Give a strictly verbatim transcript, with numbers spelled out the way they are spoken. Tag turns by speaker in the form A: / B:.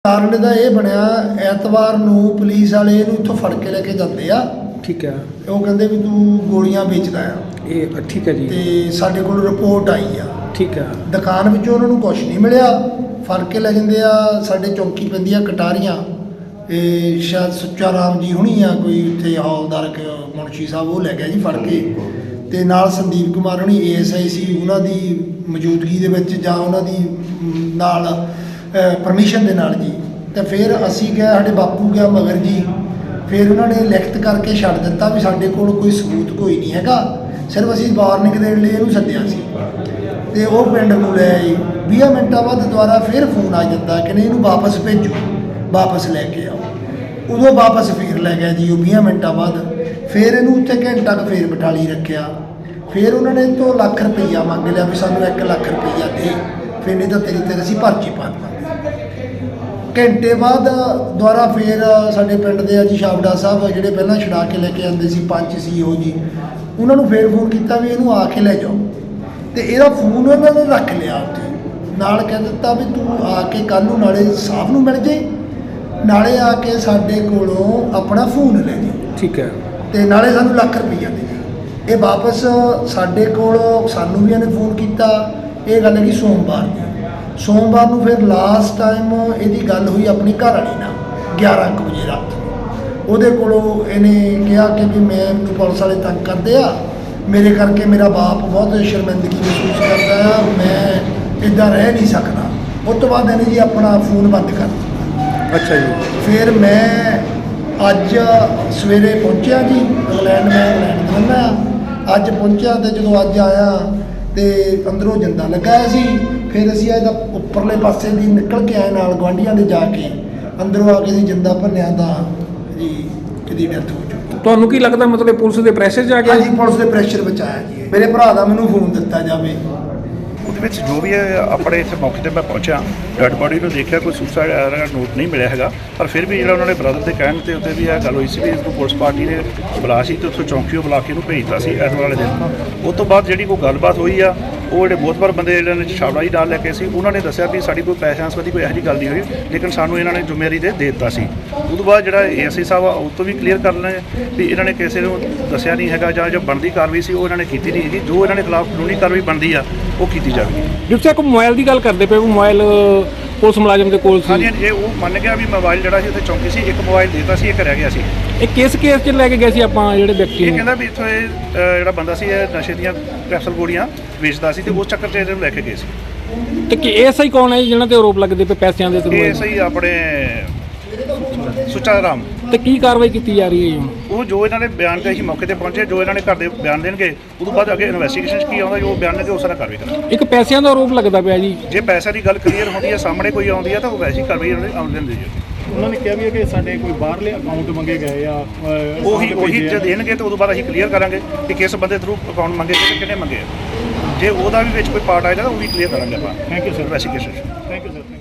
A: ਕਾਰਨ ਇਹਦਾ ਇਹ ਬਣਿਆ ਐਤਵਾਰ ਨੂੰ ਪੁਲਿਸ ਵਾਲੇ ਇਹਨੂੰ ਇੱਥੋਂ ਫੜ ਕੇ ਲੈ ਕੇ ਜਾਂਦੇ ਆ।
B: ਠੀਕ ਹੈ।
A: ਉਹ ਕਹਿੰਦੇ ਵੀ ਤੂੰ ਗੋਲੀਆਂ ਵੇਚਦਾ ਆ।
B: ਇਹ ਠੀਕ ਹੈ ਜੀ।
A: ਤੇ ਸਾਡੇ ਕੋਲ ਰਿਪੋਰਟ ਆਈ ਆ।
B: ਠੀਕ ਹੈ।
A: ਦੁਕਾਨ ਵਿੱਚੋਂ ਉਹਨਾਂ ਨੂੰ ਕੁਝ ਨਹੀਂ ਮਿਲਿਆ, ਫੜ ਕੇ ਲੈ ਜਾਂਦੇ ਆ। ਸਾਡੇ ਚੌਂਕੀ ਪੈਂਦੀ ਆ ਕਟਾਰੀਆਂ, ਇਹ ਸ਼ਾਇਦ ਸੁੱਚਾ ਰਾਮ ਜੀ ਹੁਣੀ ਆ ਕੋਈ ਉੱਥੇ ਹੌਲਦਾਰ ਮੁਨਸ਼ੀ ਸਾਹਿਬ, ਉਹ ਲੈ ਗਿਆ ਜੀ ਫੜ ਕੇ। ਤੇ ਨਾਲ ਸੰਦੀਪ ਕੁਮਾਰ ਹੁਣੀ ਏ ਐਸ ਆਈ ਸੀ, ਉਹਨਾਂ ਦੀ ਮੌਜੂਦਗੀ ਦੇ ਵਿੱਚ ਜਾਂ ਉਹਨਾਂ ਦੀ ਨਾਲ ਪਰਮਿਸ਼ਨ ਦੇ ਨਾਲ ਜੀ। ਤੇ ਫਿਰ ਅਸੀਂ ਗਏ, ਸਾਡੇ ਬਾਪੂ ਗਿਆ ਮਗਰ ਜੀ। ਫਿਰ ਉਹਨਾਂ ਨੇ ਲਿਖਤ ਕਰਕੇ ਛੱਡ ਦਿੱਤਾ ਵੀ ਸਾਡੇ ਕੋਲ ਕੋਈ ਸਬੂਤ ਕੋਈ ਨਹੀਂ ਹੈਗਾ, ਸਿਰਫ ਅਸੀਂ ਵਾਰਨਿੰਗ ਦੇਣ ਲਈ ਇਹਨੂੰ ਸੱਦਿਆ ਸੀ। ਤੇ ਉਹ ਪਿੰਡ ਨੂੰ ਲੈ ਆਏ। ਵੀਹ ਮਿੰਟਾਂ ਬਾਅਦ ਦੁਬਾਰਾ ਫਿਰ ਫੋਨ ਆ ਜਾਂਦਾ ਕਿ ਨਹੀਂ ਇਹਨੂੰ ਵਾਪਸ ਭੇਜੋ, ਵਾਪਸ ਲੈ ਕੇ ਆਓ। ਉਦੋਂ ਵਾਪਸ ਫਿਰ ਲੈ ਗਿਆ ਜੀ ਉਹ ਵੀਹ ਮਿੰਟਾਂ ਬਾਅਦ। ਫਿਰ ਇਹਨੂੰ ਉੱਥੇ ਘੰਟਾ ਕੁ ਫਿਰ ਬਿਠਾਲੀ ਰੱਖਿਆ। ਫਿਰ ਉਹਨਾਂ ਨੇ ਤੋਂ ਲੱਖ ਰੁਪਈਆ ਮੰਗ ਲਿਆ ਵੀ ਸਾਨੂੰ ਇੱਕ ਲੱਖ ਰੁਪਈਆ ਦੇ, ਫਿਰ ਨਹੀਂ ਤਾਂ ਤੇਰੀ ਤੇ ਅਸੀਂ ਪਰਚੀ ਪਾ ਦੇਵਾਂਗੇ। ਘੰਟੇ ਬਾਅਦ ਦੁਬਾਰਾ ਫਿਰ ਸਾਡੇ ਪਿੰਡ ਦੇ ਆ ਜੀ ਸ਼ਾਬੜਾ ਸਾਹਿਬ, ਜਿਹੜੇ ਪਹਿਲਾਂ ਛੁਡਾ ਕੇ ਲੈ ਕੇ ਆਉਂਦੇ ਸੀ, ਪੰਚ ਸੀ ਉਹ ਜੀ, ਉਹਨਾਂ ਨੂੰ ਫਿਰ ਫੋਨ ਕੀਤਾ ਵੀ ਇਹਨੂੰ ਆ ਕੇ ਲੈ ਜਾਓ। ਤੇ ਇਹਦਾ ਫੋਨ ਉਹਨਾਂ ਨੇ ਰੱਖ ਲਿਆ ਉੱਥੇ, ਨਾਲ ਕਹਿ ਦਿੱਤਾ ਵੀ ਤੂੰ ਆ ਕੇ ਕੱਲ੍ਹ ਨੂੰ ਨਾਲੇ ਸਾਹਿਬ ਨੂੰ ਮਿਲ ਜੇ, ਨਾਲੇ ਆ ਕੇ ਸਾਡੇ ਕੋਲੋਂ ਆਪਣਾ ਫੋਨ ਲੈ ਜੀ।
B: ਠੀਕ ਹੈ।
A: ਤੇ ਨਾਲੇ ਸਾਨੂੰ ਲੱਖ ਰੁਪਈਆ ਦੇ ਦੇ। ਇਹ ਵਾਪਸ ਸਾਡੇ ਕੋਲ, ਸਾਨੂੰ ਵੀ ਇਹਨੇ ਫੋਨ ਕੀਤਾ। ਇਹ ਗੱਲ ਹੈਗੀ ਸੋਮਵਾਰ ਦੀ। ਸੋਮਵਾਰ ਨੂੰ ਫਿਰ ਲਾਸਟ ਟਾਈਮ ਇਹਦੀ ਗੱਲ ਹੋਈ ਆਪਣੀ ਘਰ ਵਾਲੀ ਨਾਲ ਗਿਆਰਾਂ ਕੁ ਵਜੇ ਰਾਤ। ਉਹਦੇ ਕੋਲੋਂ ਇਹਨੇ ਕਿਹਾ ਕਿ ਵੀ ਮੈਨੂੰ ਪੁਲਿਸ ਵਾਲੇ ਤੰਗ ਕਰਦੇ ਆ, ਮੇਰੇ ਕਰਕੇ ਮੇਰਾ ਬਾਪ ਬਹੁਤ ਸ਼ਰਮਿੰਦਗੀ ਮਹਿਸੂਸ ਕਰਦਾ ਆ, ਮੈਂ ਇੱਦਾਂ ਰਹਿ ਨਹੀਂ ਸਕਦਾ। ਉਸ ਤੋਂ ਬਾਅਦ ਇਹਨੇ ਜੀ ਆਪਣਾ ਫੋਨ ਬੰਦ ਕਰ ਦਿੱਤਾ।
B: ਅੱਛਾ ਜੀ।
A: ਫਿਰ ਮੈਂ ਅੱਜ ਸਵੇਰੇ ਪਹੁੰਚਿਆ ਜੀ ਇੰਗਲੈਂਡ, ਮੈਂ ਇੰਗਲੈਂਡ ਰਹਿੰਦਾ। ਅੱਜ ਪਹੁੰਚਿਆ ਤੇ ਜਦੋਂ ਅੱਜ ਆਇਆ ਤੇ ਅੰਦਰੋਂ ਜਿੰਦਾ ਲੱਗਾ ਹੋਇਆ ਸੀ। ਫਿਰ ਅਸੀਂ ਇਹਦਾ ਉੱਪਰਲੇ ਪਾਸੇ ਦੀ ਨਿਕਲ ਕੇ ਆਏ, ਨਾਲ ਗੁਆਂਢੀਆਂ ਦੇ ਜਾ ਕੇ ਅੰਦਰੋਂ ਆ ਕੇ ਅਸੀਂ ਜਿੰਦਾ ਭੰਨਿਆ ਤਾਂ ਜੀ ਇਹਦੀ ਡੈਥ ਹੋ ਚੁੱਕੀ।
B: ਤੁਹਾਨੂੰ ਕੀ ਲੱਗਦਾ, ਮਤਲਬ ਪੁਲਿਸ ਦੇ ਪ੍ਰੈਸ਼ਰ 'ਚ ਆ ਗਿਆ?
A: ਜੀ ਪੁਲਿਸ ਦੇ ਪ੍ਰੈਸ਼ਰ ਵਿੱਚ ਆਇਆ ਜੀ। ਮੇਰੇ ਭਰਾ ਦਾ ਮੈਨੂੰ ਫੋਨ ਦਿੱਤਾ ਜਾਵੇ।
C: ਉਹਦੇ ਵਿੱਚ ਜੋ ਵੀ ਹੈ, ਆਪਣੇ ਇੱਥੇ ਮੌਕੇ 'ਤੇ ਮੈਂ ਪਹੁੰਚਿਆ, ਡੈਡ ਬੋਡੀ ਨੂੰ ਦੇਖਿਆ, ਕੋਈ ਸੁਸਾਈਡ ਦਾ ਨੋਟ ਨਹੀਂ ਮਿਲਿਆ ਹੈਗਾ। ਪਰ ਫਿਰ ਵੀ ਜਿਹੜਾ ਉਹਨਾਂ ਨੇ ਬ੍ਰਦਰ ਦੇ ਕਹਿਣ 'ਤੇ ਉੱਤੇ ਵੀ ਇਹ ਗੱਲ ਹੋਈ ਸੀ ਵੀ ਇਸਨੂੰ ਪੁਲਿਸ ਪਾਰਟੀ ਨੇ ਬੁਲਾ ਸੀ ਤੇ ਉੱਥੋਂ ਚੌਂਕੀਓ ਬੁਲਾ ਕੇ ਇਹਨੂੰ ਭੇਜਤਾ ਸੀ ਐਤਵਾਰ ਵਾਲੇ ਦਿਨ। ਉਸ ਤੋਂ ਬਾਅਦ ਜਿਹੜੀ ਕੋਈ ਗੱਲਬਾਤ ਹੋਈ ਆ, ਉਹ ਜਿਹੜੇ ਬਹੁਤ ਵਾਰ ਬੰਦੇ ਜਿਹੜੇ ਨੇ ਛਾਬੜਾ ਜੀ ਨਾਲ ਲੈ ਕੇ ਸੀ, ਉਹਨਾਂ ਨੇ ਦੱਸਿਆ ਵੀ ਸਾਡੀ ਕੋਈ ਪੈਸਿਆਂ ਸੰਬੰਧੀ ਕੋਈ ਇਹੋ ਜਿਹੀ ਗੱਲ ਨਹੀਂ ਹੋਈ, ਲੇਕਿਨ ਸਾਨੂੰ ਇਹਨਾਂ ਨੇ ਜ਼ਿੰਮੇਵਾਰੀ ਦੇ ਦੇ ਦਿੱਤਾ ਸੀ। ਉਹ ਤੋਂ ਬਾਅਦ ਜਿਹੜਾ ਏ ਐਸ ਆਈ ਸਾਹਿਬ ਆ, ਉਹ ਤੋਂ ਵੀ ਕਲੀਅਰ ਕਰ ਲੈਣੇ ਵੀ ਇਹਨਾਂ ਨੇ ਕਿਸੇ ਨੂੰ ਦੱਸਿਆ ਨਹੀਂ ਹੈਗਾ, ਜਾਂ ਜੋ ਬਣਦੀ ਕਾਰਵਾਈ ਸੀ ਉਹ ਇਹਨਾਂ ਨੇ ਕੀਤੀ ਨਹੀਂ ਹੈਗੀ। ਜੋ ਇਹਨਾਂ ਦੇ ਖਿਲਾਫ ਕਾਨੂੰਨੀ ਕਾਰਵਾਈ ਬਣਦੀ ਆ ਉਹ ਕੀਤੀ ਜਾਵੇਗੀ।
B: ਜਿਸ ਤਰ੍ਹਾਂ ਮੋਬਾਈਲ ਦੀ ਗੱਲ ਕਰਦੇ ਪਏ, ਮੋਬਾਈਲ ਪੁਲਿਸ ਮੁਲਾਜ਼ਮ ਦੇ ਕੋਲ ਸੀ।
C: ਹਾਂਜੀ, ਜੇ ਉਹ ਮੰਨ ਗਿਆ ਵੀ ਮੋਬਾਈਲ ਜਿਹੜਾ ਸੀ ਉੱਥੇ ਚੌਂਕੀ ਸੀ, ਇੱਕ ਮੋਬਾਈਲ ਦੇਤਾ ਸੀ, ਇੱਕ ਰਹਿ ਗਿਆ ਸੀ।
B: ਇਹ ਕਿਸ ਕੇਸ 'ਚ ਲੈ ਕੇ ਗਏ ਸੀ ਆਪਾਂ ਜਿਹੜੇ ਵਿਅਕਤੀ
C: ਇਹ
B: ਨੂੰ?
C: ਕਹਿੰਦਾ ਵੀ ਇੱਥੋਂ ਇਹ ਅ, ਜਿਹੜਾ ਬੰਦਾ ਸੀ ਇਹ ਨਸ਼ੇ ਦੀਆਂ ਕੈਪਸੂਲ ਗੋਲੀਆਂ ਵੇਚਦਾ ਸੀ ਤੇ ਉਸ ਚੱਕਰ 'ਚ ਇਹਨੂੰ ਲੈ ਕੇ ਗਏ ਸੀ।
B: ਤੇ ਕੀ ਐਸ ਆਈ ਕੌਣ ਹੈ ਜਿਹਨਾਂ ਤੇ ਆਰੋਪ ਲੱਗਦੇ ਪਏ ਪੈਸਿਆਂ ਦੇ?
C: ਇਹ ਸਹੀ ਆਪਣੇ ਸੁੱਚਾ ਰਾਮ।
B: ਤੇ ਕੀ ਕਾਰਵਾਈ ਕੀਤੀ ਜਾ ਰਹੀ ਹੈ ਜੀ?
C: ਉਹ ਜੋ ਇਹਨਾਂ ਨੇ ਬਿਆਨ ਕੇ ਅਸੀਂ ਮੌਕੇ ਤੇ ਪਹੁੰਚੇ, ਜੋ ਇਹਨਾਂ ਨੇ ਘਰ ਦੇ ਬਿਆਨ ਦੇਣਗੇ, ਉਸ ਤੋਂ ਬਾਅਦ ਅੱਗੇ ਇਨਵੈਸਟੀਗੇਸ਼ਨ 'ਚ ਕੀ ਆਉਂਦਾ, ਜੋ ਬਿਆਨ ਦੇਣਗੇ ਉਸ ਤਰ੍ਹਾਂ ਕਾਰਵਾਈ ਕਰਾਂਗੇ।
B: ਇੱਕ ਪੈਸਿਆਂ ਦਾ ਆਰੋਪ ਲੱਗਦਾ ਪਿਆ ਜੀ।
C: ਜੇ ਪੈਸੇ ਦੀ ਗੱਲ ਕਲੀਅਰ ਹੁੰਦੀ ਹੈ, ਸਾਹਮਣੇ ਕੋਈ ਆਉਂਦੀ ਹੈ, ਤਾਂ ਉਹ ਵੈਸੀ ਕਾਰਵਾਈ ਆਉਣ ਦਿੰਦੀ ਹੈ।
D: ਉਹਨਾਂ ਨੇ ਕਿਹਾ ਵੀ ਹੈ ਕਿ ਸਾਡੇ ਕੋਈ ਬਾਹਰਲੇ ਅਕਾਊਂਟ ਮੰਗੇ ਗਏ ਆ,
C: ਉਹੀ ਉਹੀ ਜੇ ਦੇਣਗੇ ਤਾਂ ਉਦੋਂ ਬਾਅਦ ਅਸੀਂ ਕਲੀਅਰ ਕਰਾਂਗੇ ਕਿ ਕਿਸ ਬੰਦੇ ਥਰੂ ਅਕਾਊਂਟ ਮੰਗੇ ਤੇ ਕਿਹਨੇ ਮੰਗੇ। ਜੇ ਉਹਦਾ ਵੀ ਵਿੱਚ ਕੋਈ ਪਾਰਟ ਆਏਗਾ ਤਾਂ ਉਹ ਵੀ ਕਲੀਅਰ ਕਰਾਂਗੇ ਆਪਾਂ।
D: Thank you sir.
C: Investigation
D: thank you sir.